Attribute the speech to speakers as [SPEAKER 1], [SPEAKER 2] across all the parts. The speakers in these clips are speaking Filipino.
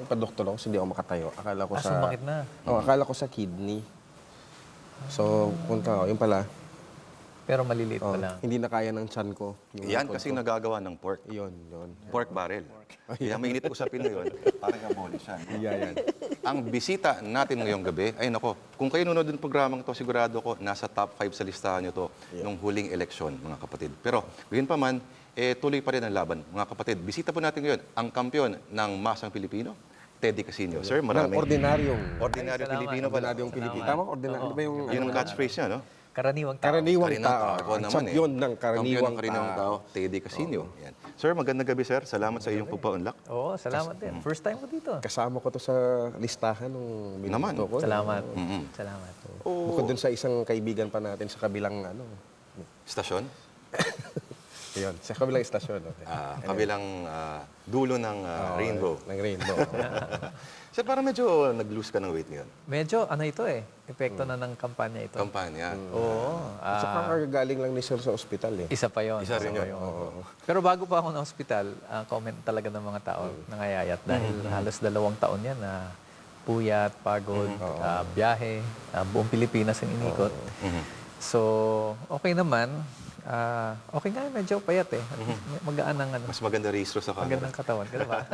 [SPEAKER 1] nagpa-doktor ako kasi hindi ako makatayo. Akala ko sa...
[SPEAKER 2] Sumakit na.
[SPEAKER 1] Akala ko sa kidney. So, punta ako. Yun pala.
[SPEAKER 2] Pero maliliit pa lang.
[SPEAKER 1] Hindi na kaya ng tiyan ko.
[SPEAKER 3] Yan kasi nagagawa ng pork.
[SPEAKER 1] Yun.
[SPEAKER 3] Pork barrel. Kaya mainit usapin na yun. Parang abolish yan.
[SPEAKER 1] Yan.
[SPEAKER 3] Ang bisita natin ngayong gabi, ay nako, kung kayo nunod ng programang to, sigurado ko, nasa top 5 sa listahan nyo to nung huling eleksyon, mga kapatid. Pero, gayon pa man, tuloy pa rin ang laban, mga kapatid. Bisita po natin ngayon, ang kampyon ng Masang Pilipino, Teddy Casino. Sir, maraming...
[SPEAKER 1] Ordinaryong
[SPEAKER 3] Pilipino pala.
[SPEAKER 1] Ordinaryong Pilipino. Tama, ordinaryo. Ano ba yung...
[SPEAKER 3] Yun ang catchphrase niya, no?
[SPEAKER 2] Karaniwang tao.
[SPEAKER 1] Karaniwang tao.
[SPEAKER 3] Ako naman
[SPEAKER 1] Champion ng karaniwang
[SPEAKER 3] tao. Teddy Casino. Yan. Sir, magandang gabi, sir. Salamat sa iyong pagpa-unlock.
[SPEAKER 2] Oo, salamat din. First time ko dito.
[SPEAKER 1] Kasama ko to sa listahan nung
[SPEAKER 3] Naman.
[SPEAKER 1] binuto ko.
[SPEAKER 2] Salamat. Salamat.
[SPEAKER 1] Bukod dun sa isang kaibigan pa natin sa kabilang
[SPEAKER 3] Stasyon?
[SPEAKER 1] Yun, sa kabilang istasyon.
[SPEAKER 3] Kabilang dulo ng rainbow.
[SPEAKER 1] Ng rainbow.
[SPEAKER 3] Sir, parang medyo nag-lose ka ng weight ngayon.
[SPEAKER 2] Medyo, ano ito eh, epekto na ng kampanya ito.
[SPEAKER 3] Kampanya.
[SPEAKER 2] Oo.
[SPEAKER 1] At saka galing lang ni Sir sa ospital eh.
[SPEAKER 2] Isa pa yon.
[SPEAKER 3] Isa rin yun.
[SPEAKER 2] Pero bago pa ako na hospital, comment talaga ng mga tao nangayayat dahil halos 2 taon yan na puyat, pagod, biyahe, buong Pilipinas ang inikot. So, okay naman. Okay nga, medyo payat eh. Magaan ang
[SPEAKER 3] Mas maganda rehistro sa camera.
[SPEAKER 2] magandang katawan. Ganun ba?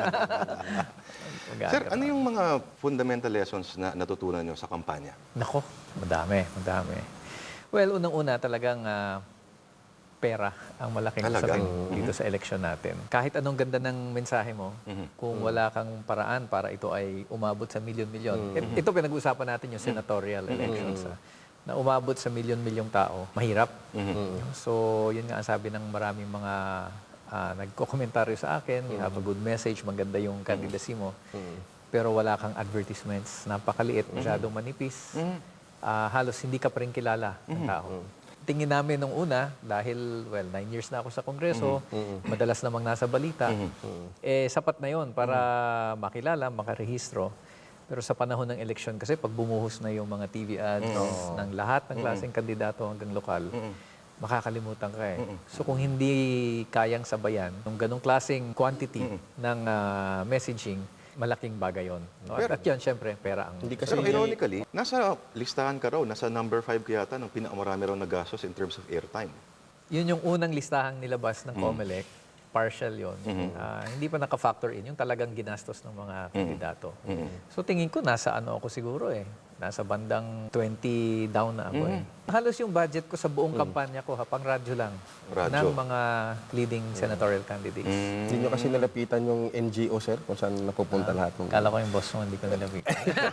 [SPEAKER 3] Sir, ano yung mga fundamental lessons na natutunan nyo sa kampanya?
[SPEAKER 2] Nako, madami. Well, unang-una talagang pera ang malaking
[SPEAKER 3] Talaga?
[SPEAKER 2] usapin dito sa election natin. Kahit anong ganda ng mensahe mo, kung wala kang paraan para ito ay umabot sa milyon-milyon. Ito pinag-uusapan natin yung senatorial elections. Na umabot sa milyon-milyong tao, mahirap. So, yun nga ang sabi ng maraming mga nagko-komentaryo sa akin, you have a good message, maganda yung candidacy mo, pero wala kang advertisements, napakaliit, masyadong manipis, halos hindi ka pa rin kilala ng tao. Tingin namin nung una, dahil, 9 years na ako sa Kongreso, madalas namang nasa balita, sapat na yon para makilala, makarehistro. Pero sa panahon ng eleksyon kasi, pag bumuhos na yung mga TV ads ng lahat ng klaseng kandidato hanggang lokal, makakalimutan ka eh. So kung hindi kayang sabayan ng ganong klaseng quantity ng messaging, malaking bagay yun. No? At yun, syempre, pera ang...
[SPEAKER 1] Hindi kasi
[SPEAKER 3] Pero ironically, nasa listahan ka raw, nasa number 5 ka yata ng pinakamarami raw na gastos in terms of airtime.
[SPEAKER 2] Yun yung unang listahang nilabas ng COMELEC. Partial yun. Hindi pa naka-factor in yung talagang ginastos ng mga kandidato. So tingin ko, nasa ano ako siguro eh. Nasa bandang 20 down na ako eh. Halos yung budget ko sa buong kampanya ko, pang radyo lang.
[SPEAKER 3] Radyo.
[SPEAKER 2] Ng mga leading senatorial candidates.
[SPEAKER 1] Hindi nyo kasi nalapitan yung NGO, sir, kung saan napupunta lahat ng...
[SPEAKER 2] Kala ko yung boss mo, hindi ko nilapit.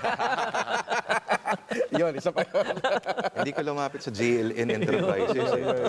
[SPEAKER 1] Yun, isa pa yun.
[SPEAKER 3] Hindi ka lumapit sa JLN Enterprises.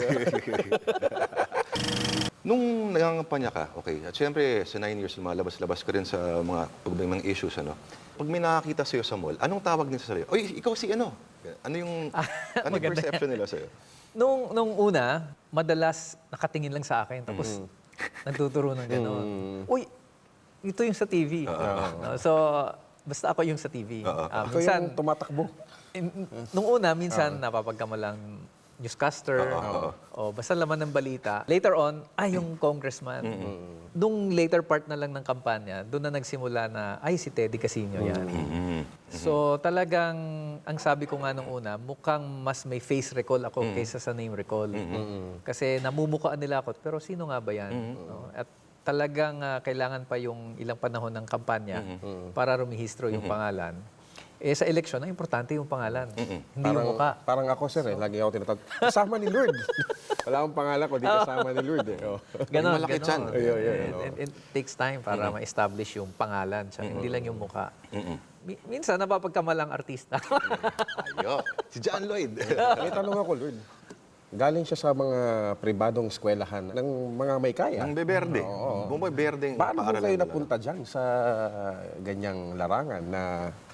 [SPEAKER 3] Nung nangangampanya ka, okay, at syempre sa 9 years lumalabas-labas ka rin sa mga mga issues, ano? Pag may nakakita sa'yo sa mall, anong tawag nila sa'yo? Oy, ikaw si ano? Ano yung perception nila sa'yo?
[SPEAKER 2] Nung una, madalas nakatingin lang sa akin, tapos nagtuturo ng gano'n. Uy, ito yung sa TV. No? So, basta ako yung sa TV.
[SPEAKER 1] Ito yung tumatakbo.
[SPEAKER 2] Nung una, minsan napapagkamalang newscaster, o basta laman ng balita. Later on, yung congressman. Nung later part na lang ng kampanya, doon na nagsimula na, si Teddy Casino yan. So talagang, ang sabi ko nga nung una, mukhang mas may face recall ako kaysa sa name recall. Kasi namumukaan nila ako, pero sino nga ba yan? No? At talagang kailangan pa yung ilang panahon ng kampanya para rumihistro yung pangalan. Sa eleksyon, ang importante yung pangalan. Hindi yung mukha.
[SPEAKER 1] Parang ako, sir, lagi ako tinatawag. Kasama ni Lord. Wala akong pangalan ko, di kasama ni Lord.
[SPEAKER 2] Ganon,
[SPEAKER 3] malaki
[SPEAKER 2] ganon.
[SPEAKER 3] tiyan.
[SPEAKER 2] It takes time para ma-establish yung pangalan. Hindi lang yung mukha. Minsan, napapagkamalang artista.
[SPEAKER 3] Ayo, si John Lloyd.
[SPEAKER 1] May tanong ako, Lord. Galing siya sa mga pribadong eskwelahan ng mga may kaya.
[SPEAKER 3] Ang beberde. Bumoy berdeng
[SPEAKER 1] Paano po
[SPEAKER 3] paaralan
[SPEAKER 1] kayo
[SPEAKER 3] nila.
[SPEAKER 1] napunta dyan sa ganyang larangan na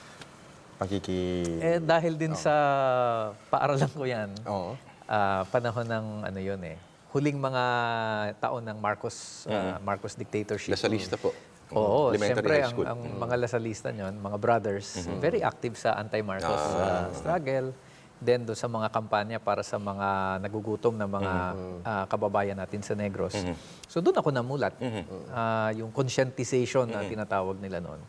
[SPEAKER 2] Dahil din sa paaralan ko yan,
[SPEAKER 1] Oo.
[SPEAKER 2] panahon ng ano yun eh, huling mga taon ng Marcos dictatorship.
[SPEAKER 3] Lasalista po.
[SPEAKER 2] Oo,
[SPEAKER 3] Elementary
[SPEAKER 2] siyempre
[SPEAKER 3] high school.
[SPEAKER 2] ang mga lasalista nyon, mga brothers, very active sa anti-Marcos struggle. Then doon sa mga kampanya para sa mga nagugutom na mga kababayan natin sa Negros. So doon ako namulat. Yung conscientization na tinatawag nila noon.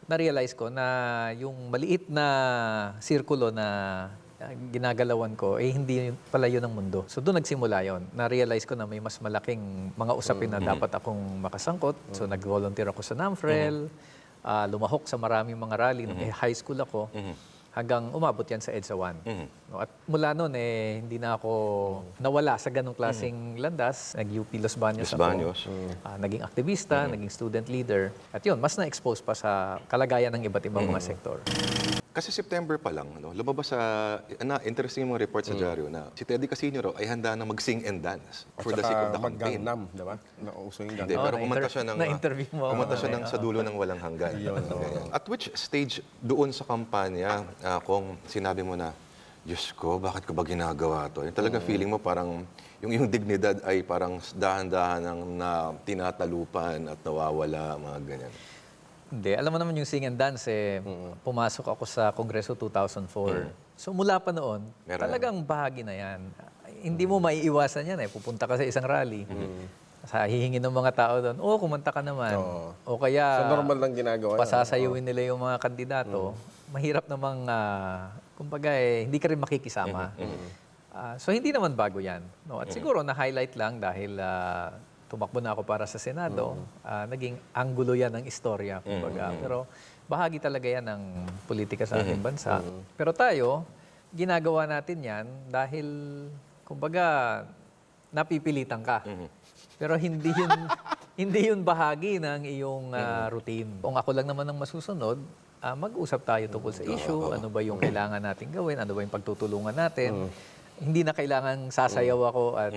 [SPEAKER 2] na-realize ko na yung maliit na sirkulo na ginagalawan ko, hindi pala yun ang mundo. So doon nagsimula yon. Na-realize ko na may mas malaking mga usapin na dapat akong makasangkot. So nag-volunteer ako sa NAMFREL, lumahok sa maraming mga rally. Nung high school ako, hanggang umabot yan sa EDSA 1. No, at mula noon, hindi na ako nawala sa ganong klaseng landas. Nag-UP Los Baños
[SPEAKER 3] Los Baños.
[SPEAKER 2] ako. Naging aktivista, naging student leader. At yun, mas na-expose pa sa kalagayan ng iba't ibang mga sektor.
[SPEAKER 3] Kasi September pa lang, lumabas interesting yung mga report sa dyaryo na si Teddy Casino raw ay handa na mag-sing and dance for the sake of the campaign.
[SPEAKER 1] Mag-Gangnam, di ba? Nauso yung
[SPEAKER 3] Hindi,
[SPEAKER 1] Gangnam.
[SPEAKER 3] pero kumanta siya ng
[SPEAKER 2] na-interview mo ako.
[SPEAKER 3] kumanta siya ng sa dulo ng walang hanggan. Ganyan. At which stage doon sa kampanya kung sinabi mo na, Diyos ko, bakit ko ba ginagawa to? Yung talaga feeling mo parang yung dignidad ay parang dahan-dahan na tinatalupan at nawawala, mga ganyan.
[SPEAKER 2] Hindi. Alam mo naman yung sing and dance, pumasok ako sa Kongreso 2004. So mula pa noon,
[SPEAKER 3] Meron
[SPEAKER 2] talagang bahagi na yan. Hindi mo maiiwasan yan. Pupunta ka sa isang rally. Sa hihingin ng mga tao doon, kumanta ka naman. O kaya,
[SPEAKER 1] So normal lang ginagawa yan.
[SPEAKER 2] pasasayawin nila yung mga kandidato. Mahirap namang, kumbaga hindi ka rin makikisama. So hindi naman bago yan. No? At siguro na-highlight lang dahil tumakbo na ako para sa Senado, naging anggulo yan ng istorya, kumbaga. Pero bahagi talaga yan ng politika sa ating bansa. Pero tayo, ginagawa natin yan dahil, kumbaga, napipilitan ka. Pero hindi yun bahagi ng iyong routine. Kung ako lang naman ang masusunod, mag-usap tayo tungkol sa issue, ano ba yung kailangan natin gawin, ano ba yung pagtutulungan natin. Hindi na kailangan sasayaw ako at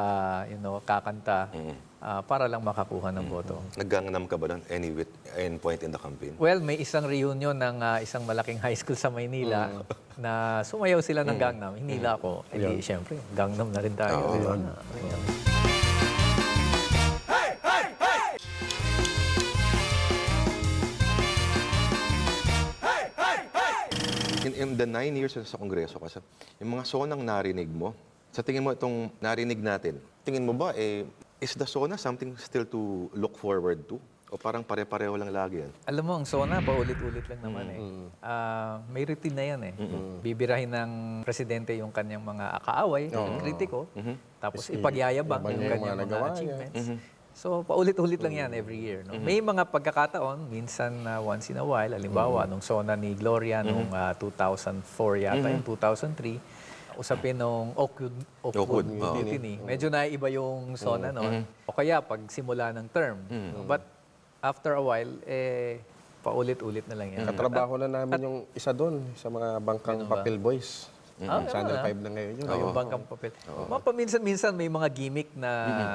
[SPEAKER 2] kakanta para lang makakuha ng boto.
[SPEAKER 3] Nag-Gangnam ka ba doon any point in the campaign?
[SPEAKER 2] Well, may isang reunion ng isang malaking high school sa Maynila na sumayaw sila ng Gangnam. Hinila ako. Eh di, syempre, Gangnam na rin tayo. Ayan.
[SPEAKER 3] In the 9 years sa Kongreso, kasi yung mga sonang narinig mo, sa tingin mo itong narinig natin, tingin mo ba, is the SONA something still to look forward to? O parang pare-pareho lang lagi yan?
[SPEAKER 2] Alam mo, ang SONA, paulit-ulit lang naman may routine na yan Bibirahin ng presidente yung kanyang mga kaaway, yung kritiko, tapos ipagyayabang yung kanyang mga achievements. So, paulit-ulit lang yan every year. No? May mga pagkakataon, minsan once in a while, halimbawa, nung SONA ni Gloria, nung 2004 yata, yung 2003, usapin nung Oakwood Mutiny. Medyo naiba yung SONA noon. O kaya, pag simula ng term. But after a while, paulit-ulit na lang yan.
[SPEAKER 1] Katrabaho na namin yung isa doon sa mga bangkang Papel Boys. Channel 5 na ngayon yun.
[SPEAKER 2] Yung bangkang papel. Paminsan-minsan may mga gimmick na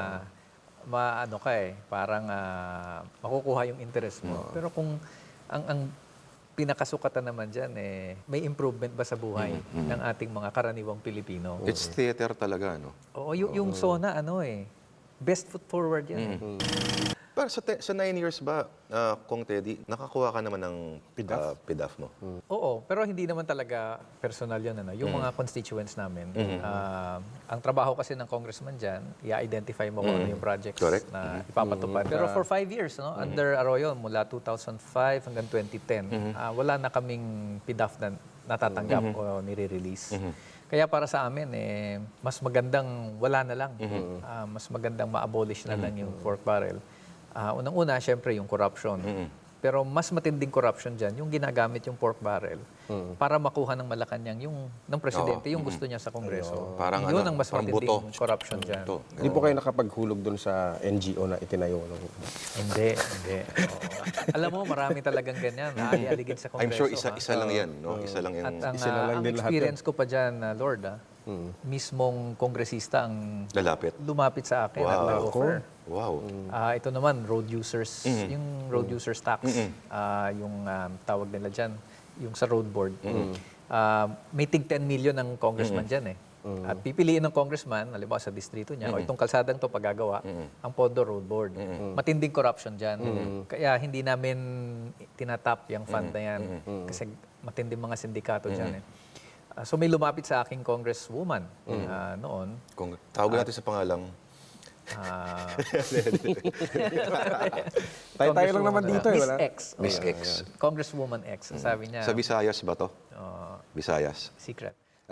[SPEAKER 2] parang makukuha yung interest mo. Pero kung ang pinakasukatan naman dyan, may improvement ba sa buhay ng ating mga karaniwang Pilipino?
[SPEAKER 3] It's theater talaga, no?
[SPEAKER 2] Oo, yung SONA, best foot forward yan.
[SPEAKER 3] Pero sa 9 years ba, Kong Teddy, nakakuha ka naman ng PDAF mo?
[SPEAKER 2] Oo, pero hindi naman talaga personal yun. Yung mga constituents namin, ang trabaho kasi ng congressman dyan, i-identify mo kung ano yung projects na ipapatupad. Pero for 5 years, under Arroyo, mula 2005 hanggang 2010, wala na kaming PDAF na natatanggap o nire-release. Kaya para sa amin, mas magandang wala na lang. Mas magandang ma-abolish na lang yung pork barrel. Unang-una, syempre, yung corruption. Pero mas matinding corruption dyan, yung ginagamit yung pork barrel para makuha ng Malacanang yung ng presidente, yung gusto niya sa Kongreso.
[SPEAKER 3] Parang
[SPEAKER 2] yun ang mas
[SPEAKER 3] parang
[SPEAKER 2] matinding
[SPEAKER 3] buto.
[SPEAKER 2] corruption dyan.
[SPEAKER 1] Hindi po kayo nakapaghulog doon sa NGO na itinayo.
[SPEAKER 2] Hindi. Oo. Alam mo, marami talagang ganyan. Naalig-aligid sa Kongreso.
[SPEAKER 3] I'm sure isa lang yan, no? Isa lang yung
[SPEAKER 2] At
[SPEAKER 1] Isa na lang
[SPEAKER 2] ang
[SPEAKER 1] din lahat
[SPEAKER 2] experience ko pa dyan, Lord, mismong kongresista ang
[SPEAKER 3] lalapit.
[SPEAKER 2] lumapit sa akin at nag-offer.
[SPEAKER 3] Wow.
[SPEAKER 2] Ito naman, road users, yung road users tax, yung tawag nila dyan, yung sa road board. May tig 10 million ng congressman dyan At pipiliin ng congressman, halimbawa sa distrito niya, o itong kalsadang to paggagawa, ang pondo road board. Matinding corruption dyan. Kaya hindi namin tinatap yung fund na yan. Kasi matinding mga sindikato dyan So may lumapit sa aking congresswoman noon.
[SPEAKER 3] Kung tawagin natin sa pangalang
[SPEAKER 1] Tayo lang naman dito eh.
[SPEAKER 2] Miss
[SPEAKER 1] Wala?
[SPEAKER 2] X.
[SPEAKER 3] Miss
[SPEAKER 2] Oo.
[SPEAKER 3] X.
[SPEAKER 2] Congresswoman X. Sabi niya,
[SPEAKER 3] Sa Visayas ba to? Visayas.
[SPEAKER 2] secret.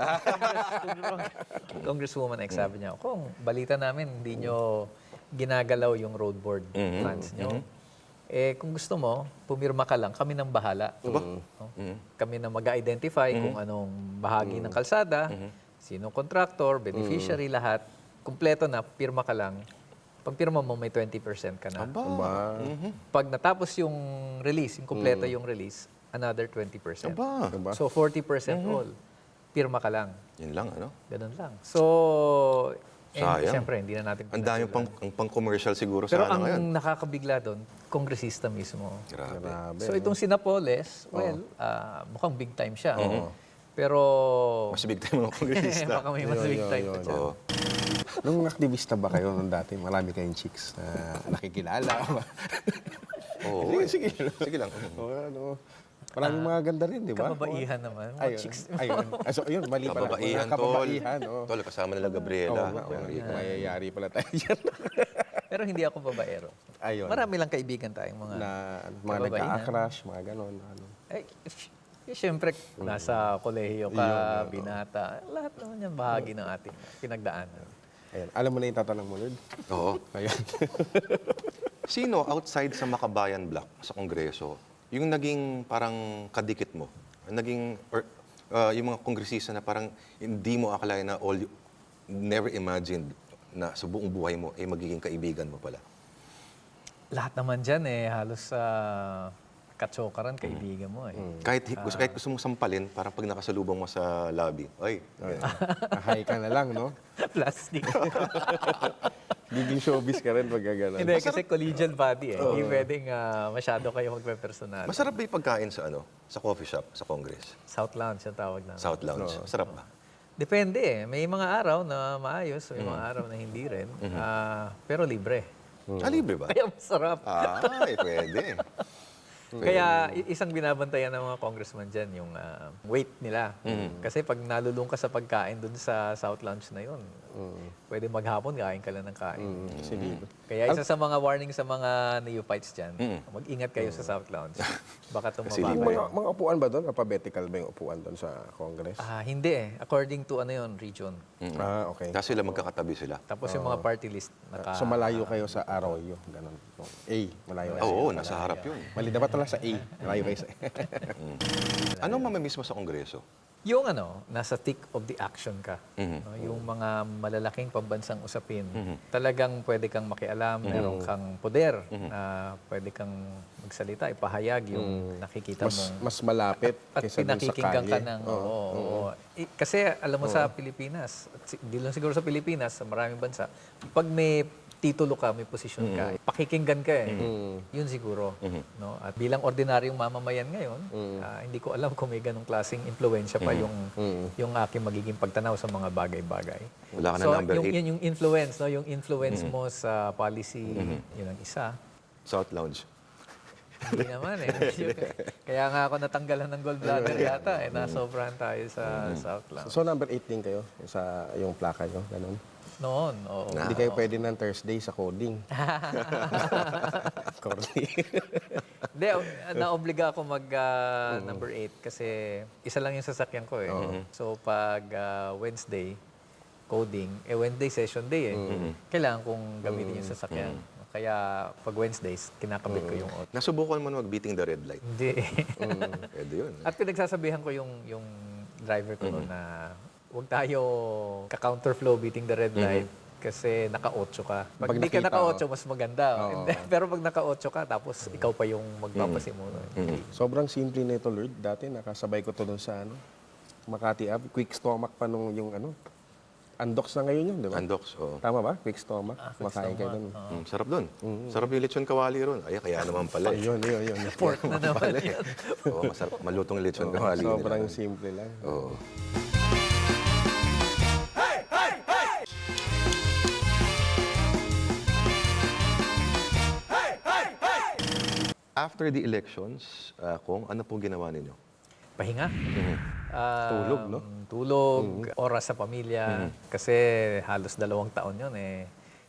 [SPEAKER 2] Congresswoman X, sabi niya, kung balita namin, hindi nyo ginagalaw yung road board funds nyo. Eh, kung gusto mo, pumirma ka lang, kami nang bahala. No? Kami na mag-identify kung anong bahagi ng kalsada, sinong contractor, beneficiary, lahat. Kumpleto na, pirma ka lang. Pag pirma mo, may 20% ka na.
[SPEAKER 1] Ba?
[SPEAKER 2] Pag natapos yung release, yung kumpleto yung release, another 20%.
[SPEAKER 3] Aba.
[SPEAKER 1] Diba?
[SPEAKER 2] So, 40% all. Pirma ka lang.
[SPEAKER 3] Yun lang, ano?
[SPEAKER 2] Ganun lang. So,
[SPEAKER 3] Sayang.
[SPEAKER 2] siyempre, hindi na natin
[SPEAKER 3] Ang dami pang-commercial siguro
[SPEAKER 2] Pero
[SPEAKER 3] sana
[SPEAKER 2] ang
[SPEAKER 3] ngayon.
[SPEAKER 2] nakakabigla doon, kongresista mismo.
[SPEAKER 3] Grabe.
[SPEAKER 1] Grabe.
[SPEAKER 2] So, itong si Napoles, well, mukhang big time siya. Pero,
[SPEAKER 3] Mas big time mga kongresista.
[SPEAKER 2] baka may mas big time pa siya.
[SPEAKER 3] Oo.
[SPEAKER 1] Nung aktivista ba kayo nung dati, marami kayong chicks na nakikilala?
[SPEAKER 3] Oo.
[SPEAKER 1] Sige.
[SPEAKER 3] Sige lang.
[SPEAKER 1] O, ano, maraming mga ganda rin, di ba?
[SPEAKER 2] Kababaihan naman. Mga
[SPEAKER 1] Ayun.
[SPEAKER 2] chicks.
[SPEAKER 1] Ayun. So, ayun, mali pala.
[SPEAKER 3] Kababaihan,
[SPEAKER 1] Mga kababaihan,
[SPEAKER 3] tol.
[SPEAKER 1] oh.
[SPEAKER 3] Tol, kasama nila
[SPEAKER 1] Oo
[SPEAKER 3] Gabriela.
[SPEAKER 1] nga, mayayari pala tayo dyan.
[SPEAKER 2] Pero hindi ako babaero.
[SPEAKER 1] Ayun.
[SPEAKER 2] Marami lang kaibigan tayong mga...
[SPEAKER 1] na mga
[SPEAKER 2] kababaihan.
[SPEAKER 1] nagka-crush, mga ganon. Ano.
[SPEAKER 2] Siyempre, nasa kolehiyo ka, binata. Lahat naman yan bahagi ng ating pinagdaanan.
[SPEAKER 1] Ayun. Alam mo na yung tatanong mo, Lord?
[SPEAKER 3] Oo.
[SPEAKER 1] Ayun.
[SPEAKER 3] Sino outside sa Makabayan Block sa Kongreso, yung naging parang kadikit mo, naging, yung mga kongresista na parang hindi mo akalain na never imagined na sa buong buhay mo ay magiging kaibigan mo pala?
[SPEAKER 2] Lahat naman dyan halos sa katsokaran, kaibigan mo
[SPEAKER 3] Kahit gusto mong sampalin, parang pag nakasalubong mo sa lobby, ay,
[SPEAKER 1] Hi ka na lang, no?
[SPEAKER 2] Plastic.
[SPEAKER 1] Giging showbiz ka rin pag gano'n.
[SPEAKER 2] Hindi, kasi collegial body Hindi pwedeng masyado kayo magpe-personal.
[SPEAKER 3] masarap ba yung pagkain sa sa coffee shop, sa Congress?
[SPEAKER 2] South Lounge ang tawag namin.
[SPEAKER 3] South Lounge. Masarap ba?
[SPEAKER 2] Depende May mga araw na maayos, may mga araw na hindi rin. Pero libre.
[SPEAKER 3] Libre ba?
[SPEAKER 2] Kaya masarap.
[SPEAKER 3] Ay, pwede.
[SPEAKER 2] Kaya isang binabantayan ng mga congressman dyan, yung weight nila. Kasi pag nalulung ka sa pagkain dun sa South Lounge na yun, pwede maghapon, kain ka lang ng kain.
[SPEAKER 1] Sige.
[SPEAKER 2] Kaya isa sa mga warning sa mga neophytes dyan, mag-ingat kayo sa South Lounge. Baka
[SPEAKER 3] Kasi
[SPEAKER 2] tumaba
[SPEAKER 3] libre.
[SPEAKER 2] kayo.
[SPEAKER 1] Mga upuan ba doon? Alphabetical ba yung upuan doon sa Congress?
[SPEAKER 2] Hindi According to region.
[SPEAKER 1] Okay.
[SPEAKER 3] Tapos sila magkakatabi sila.
[SPEAKER 2] Tapos yung mga party list,
[SPEAKER 1] So malayo kayo sa Arroyo, ganun. A, malayo kayo.
[SPEAKER 3] Oo, nasa harap yun.
[SPEAKER 1] Mali dapat pala sa A, malayo kayo sa
[SPEAKER 3] Anong mamamiss mo sa Kongreso?
[SPEAKER 2] Yung nasa thick of the action ka. No? Yung mga malalaking pambansang usapin, talagang pwede kang makialam, meron kang poder na pwede kang magsalita, ipahayag yung nakikita
[SPEAKER 1] mas,
[SPEAKER 2] mong...
[SPEAKER 1] mas malapit
[SPEAKER 2] At
[SPEAKER 1] kaysa dun sa
[SPEAKER 2] pinakikinggan
[SPEAKER 1] kalye.
[SPEAKER 2] ka ng... Kasi alam mo sa Pilipinas, at di lang siguro sa Pilipinas, sa maraming bansa, pag may titulo ka, may posisyon ka, pakikinggan ka Yun siguro. No? At bilang ordinaryong mamamayan ngayon, hindi ko alam kung may ganong klaseng impluensya pa yung aking magiging pagtanaw sa mga bagay-bagay.
[SPEAKER 3] Wala ka na
[SPEAKER 2] So,
[SPEAKER 3] number 8.
[SPEAKER 2] yung influence, no? Yung influence mo sa policy, yun ang isa.
[SPEAKER 3] South Lounge.
[SPEAKER 2] Hindi naman Kaya nga ako natanggalan ng gallbladder yata nasobrahan tayo sa South Lounge.
[SPEAKER 1] So number 8 din kayo sa yung plaka nyo, ganun.
[SPEAKER 2] Noon, oo.
[SPEAKER 1] Hindi kayo pwede ng Thursday sa coding. Corny.
[SPEAKER 2] Hindi, naobliga ako mag number 8 kasi isa lang yung sasakyan ko So pag Wednesday, coding, Wednesday session day Kailangan kong gamitin yung sasakyan. Kaya pag Wednesdays, kinakabit ko yung auto.
[SPEAKER 3] Nasubukan mo na mag-beating the red light.
[SPEAKER 2] Hindi.
[SPEAKER 3] Pwede yun.
[SPEAKER 2] At pinagsasabihan ko yung driver ko noon na huwag tayo ka-counterflow beating the red light kasi naka-8 ka. Pag hindi ka
[SPEAKER 1] nakita,
[SPEAKER 2] naka-8, mas maganda. Pero pag naka-8 ka, tapos ikaw pa yung magpapasimuno.
[SPEAKER 1] Sobrang simple nito, Lord. Dati nakasabay ko to doon sa Makati Ave. Quick stomach pa nung yung Andox na ngayon yun, di ba?
[SPEAKER 3] Andox, oo.
[SPEAKER 1] Tama ba? Quick stomach.
[SPEAKER 2] Quick
[SPEAKER 1] Makain kayo
[SPEAKER 2] stomach,
[SPEAKER 1] doon.
[SPEAKER 3] Sarap doon. Sarap yung lechon kawali ron. Ay, kaya naman pala.
[SPEAKER 1] Yun.
[SPEAKER 2] Pork na naman yan.
[SPEAKER 3] Oo, masarap. Malutong lechon kawali.
[SPEAKER 1] Sobrang simple lang.
[SPEAKER 3] Oo. After the elections, kung ano po ginawa ninyo?
[SPEAKER 2] Pahinga.
[SPEAKER 1] Tulog, no?
[SPEAKER 2] Tulog, oras sa pamilya. Kasi halos 2 taon yun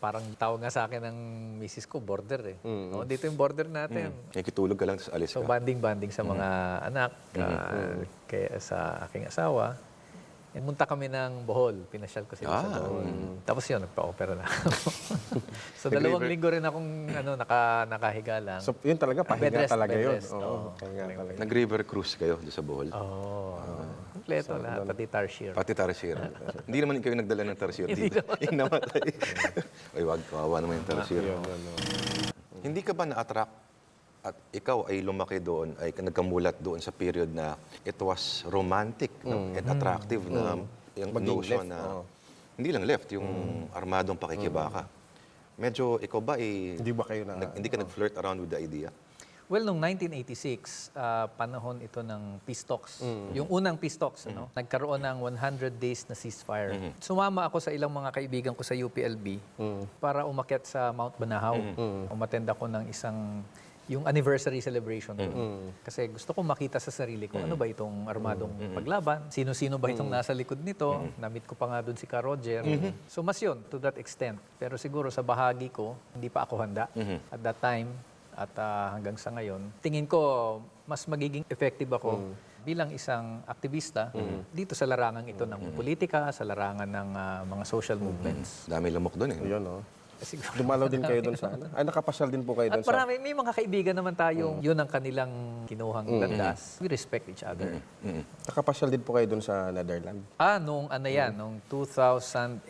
[SPEAKER 2] parang tawag nga sa akin ng misis ko, border eh. No, dito yung border natin.
[SPEAKER 3] Nakikitulog ka lang, tapos alis
[SPEAKER 2] So
[SPEAKER 3] ka.
[SPEAKER 2] banding-banding sa mga anak, kaya sa aking asawa. And munta kami ng Bohol. Pinasyal ko sila sa Bohol. Tapos yun, nagpa-opera na ako. So 2 linggo rin akong nakahiga lang.
[SPEAKER 1] So, yun talaga, pahinga
[SPEAKER 2] Bed rest,
[SPEAKER 1] talaga
[SPEAKER 2] bed
[SPEAKER 1] yun.
[SPEAKER 2] rest. Oo.
[SPEAKER 1] Pahinga talaga.
[SPEAKER 3] Nag-river cruise kayo doon sa Bohol.
[SPEAKER 2] Kompleto lahat, pati tarsier.
[SPEAKER 3] Pati tarsier. Hindi naman kayo nagdala ng tarsier dito. Yung namatay. Ay, wag, kawawa naman yung tarsier. Hindi ka ba na-attract at ikaw ay lumaki doon, ay nagkamulat doon sa period na it was romantic no? And attractive na yung notion
[SPEAKER 1] left,
[SPEAKER 3] na hindi lang left, yung armadong pakikibaka. Medyo ikaw ba
[SPEAKER 1] Hindi ba kayo na...
[SPEAKER 3] hindi ka nag-flirt around with the idea?
[SPEAKER 2] Well, noong 1986, panahon ito ng peace talks. Yung unang peace talks, ano? Nagkaroon ng 100 days na ceasefire. Sumama ako sa ilang mga kaibigan ko sa UPLB para umakyat sa Mount Banahaw. Umattend ako ng yung anniversary celebration ko. Kasi gusto ko makita sa sarili ko, ano ba itong armadong paglaban? Sino-sino ba itong nasa likod nito? Na-meet ko pa nga doon si Ka Roger. So mas yun, to that extent. Pero siguro sa bahagi ko, hindi pa ako handa at that time. At hanggang sa ngayon, tingin ko mas magiging effective ako bilang isang aktivista dito sa larangan ito ng politika, sa larangan ng mga social movements.
[SPEAKER 3] Dami lamok doon eh.
[SPEAKER 1] Yun, no?
[SPEAKER 2] Siguro.
[SPEAKER 1] Dumalaw din kayo doon sa ano? Ay, nakapasal din po kayo
[SPEAKER 2] At
[SPEAKER 1] doon sa...
[SPEAKER 2] marami, may mga kaibigan naman tayong yun ang kanilang kinuhang landas. We respect each other.
[SPEAKER 1] Nakapasal din po kayo doon sa Netherlands.
[SPEAKER 2] Nung ano yan, nung 2001,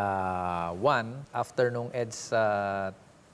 [SPEAKER 2] after nung EDSA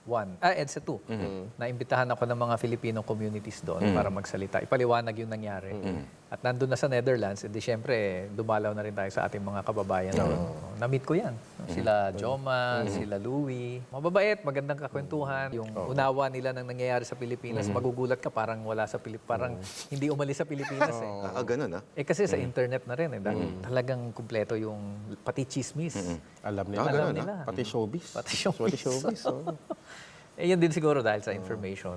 [SPEAKER 2] 2, naimbitahan ako ng mga Filipino communities doon para magsalita. Ipaliwanag yung nangyari. At nandun na sa Netherlands, edi syempre, dumalaw na rin tayo sa ating mga kababayan. Na-meet ko yan. Sila Joma, sila Louie. Mababait, magandang kakwentuhan. Yung unawa nila ng nangyayari sa Pilipinas, magugulat ka parang wala sa Pilipinas. Parang hindi umalis sa Pilipinas eh.
[SPEAKER 3] Ganun
[SPEAKER 2] Kasi sa internet na rin eh. Talagang kumpleto yung pati chismis.
[SPEAKER 1] Alam nila.
[SPEAKER 2] Alam nila.
[SPEAKER 1] Pati showbiz.
[SPEAKER 2] Pati showbiz.
[SPEAKER 1] Pati showbiz, oo.
[SPEAKER 2] Yun din siguro dahil sa information.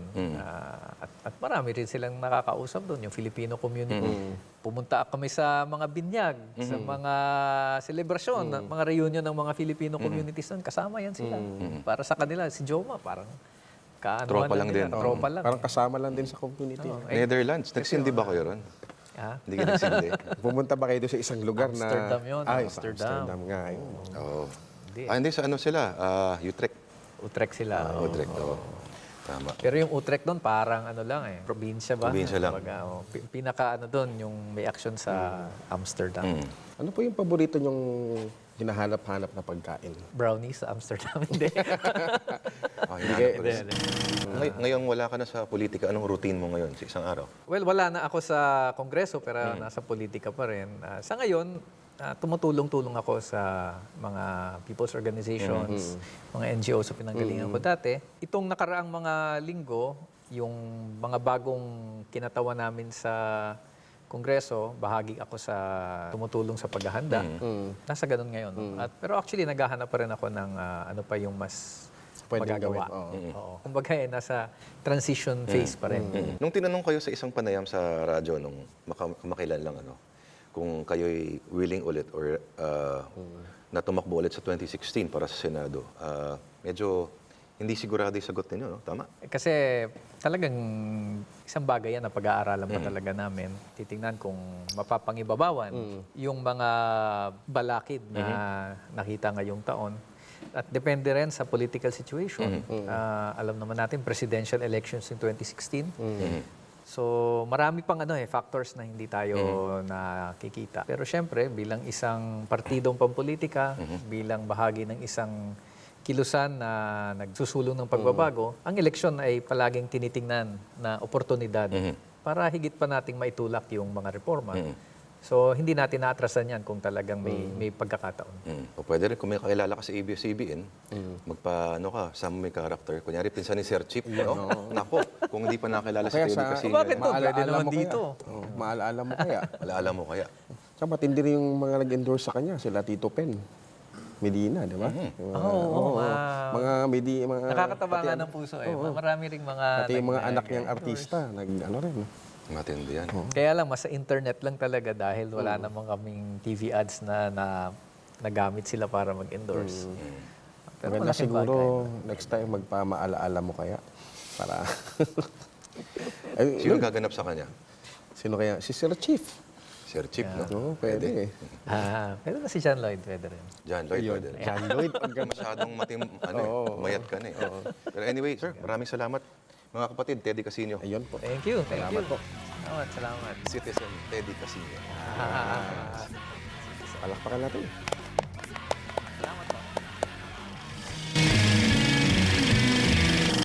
[SPEAKER 2] At marami rin silang nakakausap doon, yung Filipino community. Pumunta kami sa mga binyag, sa mga selebrasyon, mga reunion ng mga Filipino communities doon. Kasama yan sila. Para sa kanila, si Joma parang
[SPEAKER 3] Tropa lang din.
[SPEAKER 2] Tropa lang.
[SPEAKER 1] Parang kasama lang din sa community.
[SPEAKER 3] Netherlands. Nagsindi ba kayo ron?
[SPEAKER 2] Ha?
[SPEAKER 3] Hindi ka nagsindi.
[SPEAKER 1] Pumunta ba kayo doon sa isang lugar na...
[SPEAKER 2] Amsterdam yun.
[SPEAKER 1] Ay,
[SPEAKER 2] Amsterdam.
[SPEAKER 1] Amsterdam nga. Yun.
[SPEAKER 3] Oo.
[SPEAKER 2] Hindi.
[SPEAKER 3] Hindi, sa ano sila? Utrecht.
[SPEAKER 2] Utrecht sila.
[SPEAKER 3] Utrecht, oo. Tama.
[SPEAKER 2] Pero yung Utrecht doon parang ano lang eh, probinsya ba?
[SPEAKER 3] Probinsya lang.
[SPEAKER 2] Kumbaga, pinaka ano doon, yung may action sa Amsterdam.
[SPEAKER 1] Ano po yung paborito nyong hinahanap-hanap na pagkain?
[SPEAKER 2] Brownies sa Amsterdam, hindi.
[SPEAKER 3] Hinahanap ko rin. Ngayon wala ka na sa politika. Anong routine mo ngayon sa isang araw?
[SPEAKER 2] Well, wala na ako sa Kongreso pero nasa politika pa rin. Sa ngayon, tumutulong-tulong ako sa mga people's organizations, mga NGO sa pinanggalingan ko dati. Itong nakaraang mga linggo, yung mga bagong kinatawa namin sa Kongreso, bahagi ako sa tumutulong sa paghahanda. Nasa ganun ngayon. Pero actually, naghahanap pa rin ako ng ano pa yung mas
[SPEAKER 1] Pwedeng
[SPEAKER 2] magagawa.
[SPEAKER 1] gawin,
[SPEAKER 2] Oo. Kumbaga, nasa transition phase pa rin.
[SPEAKER 3] Nung tinanong kayo sa isang panayam sa radyo nung kamakailan lang, kung kayo'y willing ulit or na tumakbo ulit sa 2016 para sa Senado, medyo hindi sigurado yung sagot ninyo, no? Tama?
[SPEAKER 2] Kasi talagang isang bagay yan na pag-aaralan pa talaga namin. Titingnan kung mapapangibabawan yung mga balakid na nakita ngayong taon. At depende rin sa political situation. Alam naman natin, presidential elections in 2016. So marami pang factors na hindi tayo nakikita. Pero syempre, bilang isang partidong pampolitika, bilang bahagi ng isang kilusan na nagsusulong ng pagbabago, ang eleksyon ay palaging tinitingnan na oportunidad para higit pa nating maitulak yung mga reforma. So hindi natin naatrasan yan kung talagang may pagkakataon.
[SPEAKER 3] O pwede rin kung may kakilala ka sa ABS-CBN, sama may character. Kunyari, pinsan ni Sir Chip, no? Nako, kung hindi pa nakilala si
[SPEAKER 1] Kaya
[SPEAKER 3] Teddy
[SPEAKER 1] sa-
[SPEAKER 3] Casino.
[SPEAKER 2] Bakit to? Pwede naman
[SPEAKER 1] mo
[SPEAKER 2] dito.
[SPEAKER 1] Kaya. Maalaala mo kaya.
[SPEAKER 3] Alaala mo kaya.
[SPEAKER 1] Tsaka matindi rin yung mga nag-endorse sa kanya, sila Tito Pen. Medina, di ba? Mga mga
[SPEAKER 2] Nakakataba nga ng puso eh. Marami ring mga...
[SPEAKER 1] pati yung mga anak niyang artista, rin.
[SPEAKER 3] Matindi yan.
[SPEAKER 2] Kaya lang, mas sa internet lang talaga dahil wala namang kaming TV ads na nagamit sila para mag-endorse. Pero
[SPEAKER 1] Maganda
[SPEAKER 2] malaking
[SPEAKER 1] siguro
[SPEAKER 2] bagay.
[SPEAKER 1] next time magpamaalaala mo kaya para ay,
[SPEAKER 3] Sino gaganap sa kanya?
[SPEAKER 1] sino kaya? Si Sir Chief.
[SPEAKER 3] Sir Chip, no?
[SPEAKER 1] Oo, pwede eh.
[SPEAKER 2] Pero na si John Lloyd, pwede rin.
[SPEAKER 3] John Lloyd,
[SPEAKER 1] Yun,
[SPEAKER 3] pwede.
[SPEAKER 1] John Lloyd.
[SPEAKER 3] Pagka masyadong mayat ka na eh. Pero anyway, sir, maraming salamat. Mga kapatid, Teddy Casino.
[SPEAKER 1] Ayun po.
[SPEAKER 2] Thank you.
[SPEAKER 1] Salamat po.
[SPEAKER 2] Salamat.
[SPEAKER 3] Citizen Teddy Casino.
[SPEAKER 1] Palakpakan natin.